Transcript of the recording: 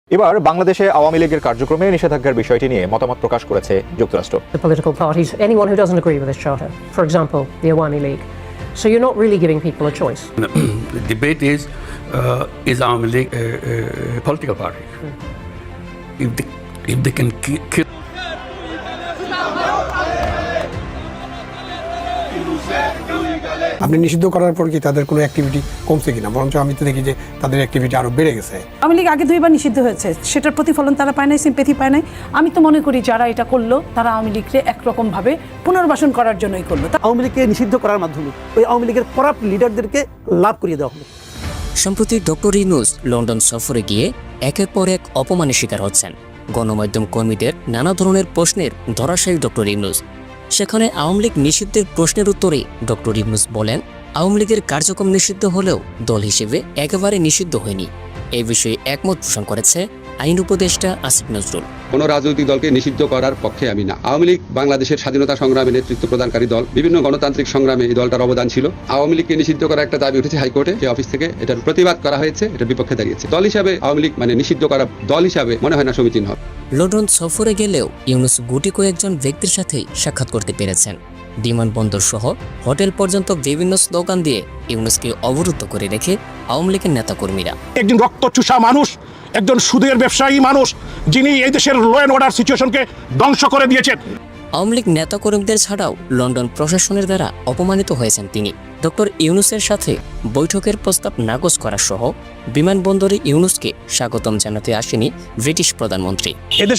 এবার বাংলাদেশে আওয়ামী লীগের কার্যক্রমে নিষেধাজ্ঞার বিষয়টি নিয়ে মতামত প্রকাশ করেছে যুক্তরাষ্ট্র। The political parties, anyone who doesn't agree with this charter, for example, the Awami League. So you're not really giving people a choice. The debate is Awami League a political party? If they can kill. আপনি নিষিদ্ধ করার পর কি তাদের কোনো activity কমছে কিনা? বরঞ্চ আমি তো দেখি যে তাদের অ্যাক্টিভিটি আরো বেড়ে গেছে। আওয়ামী লীগ আগে 2বার নিষিদ্ধ হয়েছে, সেটার প্রতিফলন তারা পায় নাই, সিম্পেথি পায় নাই। আমি তো মনে করি যারা এটা করলো তারা আওয়ামী লীগকে একরকম ভাবে পুনর্বাসন করার জন্যই করলো। আওয়ামী লীগকে নিষিদ্ধ করার মাধ্যমে ওই আওয়ামী লীগের করাপ্ট লিডারদেরকে লাভ করিয়ে দেওয়া হলো। সম্প্রতি ডক্টর ইউনূস লন্ডন সফরে গিয়ে একের পর এক অপমানের শিকার হচ্ছেন। গণমাধ্যম কর্মীদের নানা ধরনের প্রশ্নের ধরাশায়ী ডক্টর ইউনূস। সেখানে আওয়ামী লীগ নিষিদ্ধের প্রশ্নের উত্তরে ডক্টর ইউনূস বলেন, আওয়ামী লীগের কার্যক্রম নিষিদ্ধ হলেও দল হিসেবে একেবারে নিষিদ্ধ হয়নি। এই বিষয়ে একমত পোষণ করেছে আইন উপদেষ্টা আসিফ নজরুল। কোনো রাজনৈতিক দলকে নিষিদ্ধ করার পক্ষে আমি না। আওয়ামী লীগ বাংলাদেশের স্বাধীনতা সংগ্রামে নেতৃত্ব প্রদানকারী দল, বিভিন্ন গণতান্ত্রিক সংগ্রামে এই দলটার অবদান ছিল। আওয়ামী লীগকে নিষিদ্ধ করার একটা দাবি উঠেছে হাইকোর্টে, যে অফিস থেকে এটার প্রতিবাদ করা হয়েছে, এটার বিপক্ষে দাঁড়িয়েছে। দল হিসাবে আওয়ামী লীগ নিষিদ্ধ করা দল হিসাবে মনে হয় না সমীচীন হবে। লন্ডন সফরে গেলেও ইউনূস গুটি কয়েকজন ব্যক্তির সাথেই সাক্ষাৎ করতে পেরেছেন। বিমানবন্দর সহ হোটেল পর্যন্ত বিভিন্ন স্লোগান দিয়ে ইউনূসকে অবরুদ্ধ করে রেখে আওয়ামী লীগের নেতাকর্মীরা। একজন রক্তচুষা মানুষ, একজন সুদের ব্যবসায়ী মানুষ, যিনি এই দেশের ল অ্যান্ড অর্ডার সিচুয়েশনকে ধ্বংস করে দিয়েছেন। আওয়ামী লীগ নেতাকর্মীদের ছাড়াও লন্ডন প্রশাসনের দ্বারা অপমানিত হয়েছেন তিনি। ডক্টর ইউনূসের সাথে বৈঠকের প্রস্তাব নাকচ করা সহ বিমানবন্দরে ইউনূসকে স্বাগতম জানাতে আসেনি ব্রিটিশ প্রধানমন্ত্রী।